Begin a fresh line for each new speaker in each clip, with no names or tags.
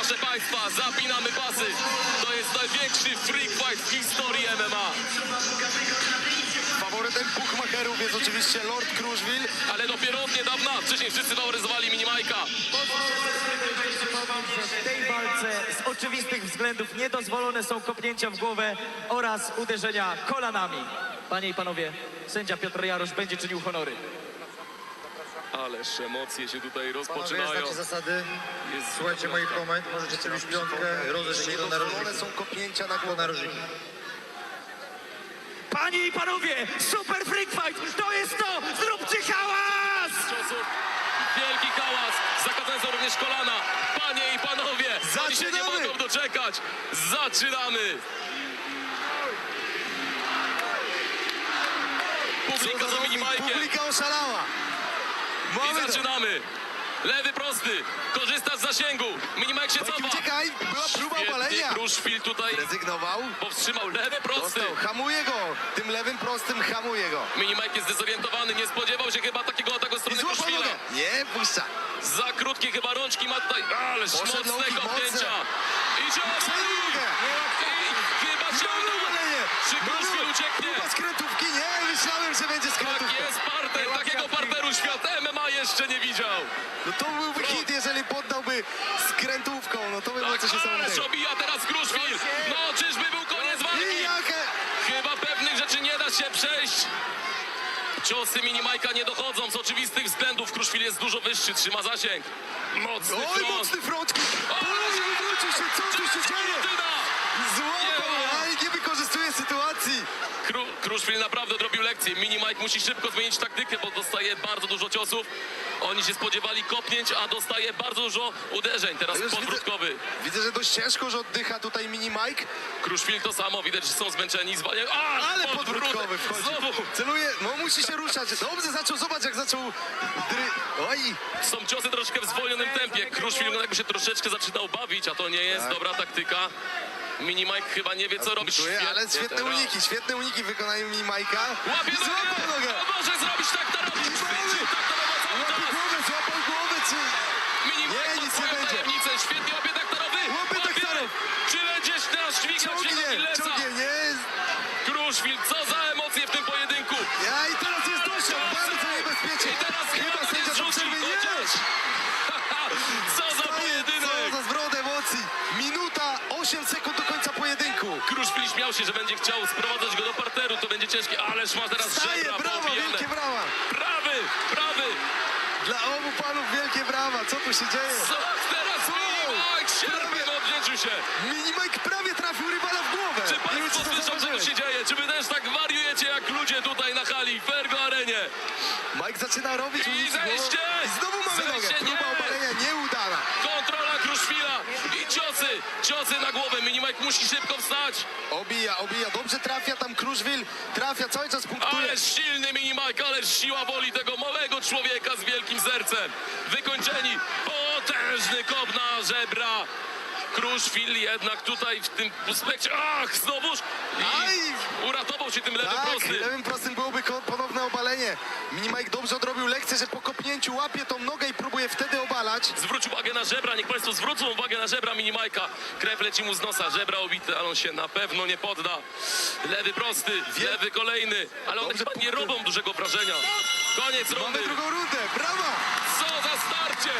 Proszę Państwa, zapinamy pasy. To jest największy freak fight w historii MMA.
Faworytem bookmacherów jest oczywiście Lord Kruszwil.
Ale dopiero od niedawna, wcześniej wszyscy faworyzowali Mini Majka.
W tej walce z oczywistych względów niedozwolone są kopnięcia w głowę oraz uderzenia kolanami. Panie i panowie, sędzia Piotr Jarosz będzie czynił honory.
Ależ emocje się tutaj
Panowie,
rozpoczynają.
znacie zasady.
Jest
Słuchajcie moich komend, możecie sobie już piątkę, rozejść się do
Niedozwolone
narożnika.
są kopnięcia na
Do
głowę.
narożnika.
Panie i panowie, super freak fight, to jest to! Zróbcie hałas!
Ciosów. Wielki hałas. Zakazane są również kolana. Panie i panowie, oni się nie
Zaczynamy.
mogą doczekać. Zaczynamy. Publika za Mini Majkiem.
Publika oszalała.
I
Mamy to.
zaczynamy. Lewy prosty. Korzysta z zasięgu. Mini Mike się cofa.
Uciekaj, była próba
Świetnie,
obalenia.
Kruszwil tutaj
Rezygnował.
powstrzymał lewy prosty.
Dostał, hamuje go. Tym lewym prostym hamuje go.
Mini Mike jest zdezorientowany. Nie spodziewał się chyba takiego ataku ze
I
strony
złapał
Kruszwila.
nogę. Nie, puszcza.
Za krótkie chyba rączki ma tutaj. Ależ
Poszedł
mocne
nogi,
kopnięcia. I cios.
Przejął nogę.
I chyba się
Mamy
uda.
obalenie.
Czy Kruszwil
Mamy
ucieknie?
Próba skrętówki. Nie, myślałem, że będzie
Tak
skrętówka.
jest parter. Takiego parteru świat MMA jeszcze nie widział.
No to byłby hit, jeżeli poddałby skrętówką. No to by było
Tak,
coś
ależ
niesamowitego.
obija teraz Kruszwil. No czyżby był koniec
I
walki?
jakie...
Chyba pewnych rzeczy nie da się przejść. Ciosy Mini Majka nie dochodzą z oczywistych względów. Kruszwil jest dużo wyższy, trzyma zasięg. Mocny
Oj,
front.
mocny front. Polowie wywrócił się. Co tu się dzieje?
Martyna!
Złapał,
Nie ma.
ale nie wykorzystuje sytuacji.
Kruszwil naprawdę odrobił lekcję. Mini Mike musi szybko zmienić taktykę, bo dostaje bardzo dużo ciosów. Oni się spodziewali kopnięć, a dostaje bardzo dużo uderzeń. Teraz
Już
podwrótkowy.
Widzę, że dość ciężko, że oddycha tutaj Mini Mike.
Kruszwil to samo, widać, że są zmęczeni. Zwalniają.
Ale podwrótkowy wchodzi.
Znowu.
Celuje, no musi się ruszać. Dobrze zaczął, zobacz jak zaczął... Oj,
Są ciosy troszkę w zwolnionym tempie. Kruszwil jakby się troszeczkę zaczynał bawić, a to nie jest
Tak.
dobra taktyka. Mini Mike chyba nie wie, co robić.
ale świetne
teraz.
świetne uniki w wykonaniu Mini Mike'a.
Łapie
Złapał
nogę!
nogę.
A może zrobić tak to robić?
I mamy.
Chwycił tak to robić cały czas.
Złapał głowę, czy...
Mini Mike
Nie,
ma
nic
swoją
nie będzie.
tajemnicę. Świetnie łapie taktarowy.
Łapie taktarów.
Czy będziesz teraz dźwigać się do
Ciągnie,
Gillesa?
ciągnie, nie.
Kruszwil, co za emocje w tym pojedynku.
Ja i teraz jest dosiąg, bardzo niebezpiecznie.
I teraz
Chyba sędzia do przerwy nie.
Co za pojedynek.
Co za zwrot emocji. Minuta, 8 sekund do końca pojedynku.
Kruszwil śmiał się, że będzie chciał sprowadzać go do parteru. To będzie ciężkie, ależ ma teraz
Staje,
żebra
brawa,
poobijane.
wielkie brawa.
Prawy.
Dla obu panów wielkie brawa. Co tu się dzieje?
Co teraz Mini Mike? Sierpem odwdzięczył się.
Mini Mike prawie trafił rywala w głowę.
Czy
Nie wiem,
państwo
czy to
słyszą, co tu
zauważyłeś.
się dzieje? Czy wy też tak wariujecie jak ludzie tutaj na hali w Ergo Arenie?
Mike zaczyna robić
I
uniki.
zejście!
I znowu mamy nogę.
Zejście,
Próba
nie!
obalenia nieudana.
Kontrola Kruszwila i ciosy na głowę. Mini Mike musi szybko wstać.
Obija. Dobrze trafia tam Kruszwil. Trafia, cały czas punktuje.
Ależ silny Mini Mike, ależ siła woli tego małego człowieka z wielkim sercem. Wykończeni, potężny kop na żebra. Kruszwil jednak tutaj w tym aspekcie, znowuż
Aj!
i uratował się tym lewym
Tak,
prostym.
lewym prostym byłoby ponowne obalenie. Mini Mike dobrze odrobił lekcję, że po kopnięciu łapie tą nogę i próbuje wtedy obalać.
Zwróć uwagę na żebra, niech państwo zwrócą uwagę na żebra Mini Majka. Krew leci mu z nosa, żebra obite, ale on się na pewno nie podda. Lewy prosty, lewy kolejny, ale one
Dobrze
chyba nie
punkty.
robią dużego wrażenia. Koniec rundy.
Mamy drugą rundę, brawa!
Co za starcie!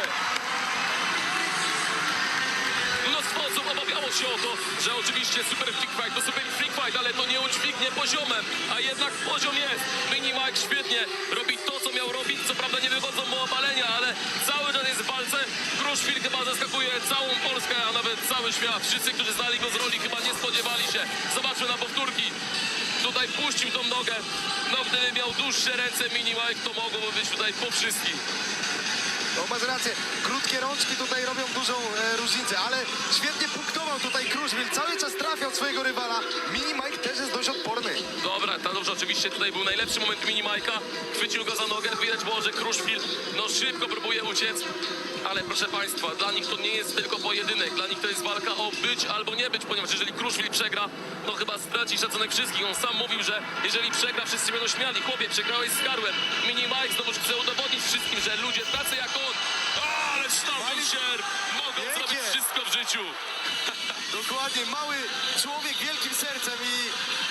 Mnóstwo osób obawiało się o to, że oczywiście super freak fight to super freak fight, ale to nie udźwignie poziomem, a jednak poziom jest. Mini Mike świetnie robi to, co miał robić, co prawda nie wychodzą mu obalenia, ale cały czas jest w walce. Kruszwil chyba zaskakuje całą Polskę, a nawet cały świat. Wszyscy, którzy znali go z roli, chyba nie spodziewali się. Zobaczmy na powtórki. Tutaj puścił tą nogę. No gdyby miał dłuższe ręce Mini Mike, to mogłoby być tutaj po wszystkim.
No masz rację, krótkie rączki tutaj robią dużą różnicę, ale świetnie punktował tutaj Kruszwil, cały czas trafiał swojego rywala. Mini Mike też jest dość odporny.
Dobra, to dobrze, oczywiście tutaj był najlepszy moment Mini Majka. Chwycił go za nogę, widać było, że Kruszwil szybko próbuje uciec. Ale proszę państwa, dla nich to nie jest tylko pojedynek, dla nich to jest walka o być albo nie być, ponieważ jeżeli Kruszwil przegra, to chyba straci szacunek wszystkich. On sam mówił, że jeżeli przegra, wszyscy będą śmiali. Chłopie, przegrałeś z Karłem. Mini Mike znowu chce udowodnić wszystkim, że ludzie tacy jak on, ależ tam sierp, mogą
Wielkie.
zrobić wszystko w życiu. życiu.
Dokładnie, mały człowiek wielkim sercem i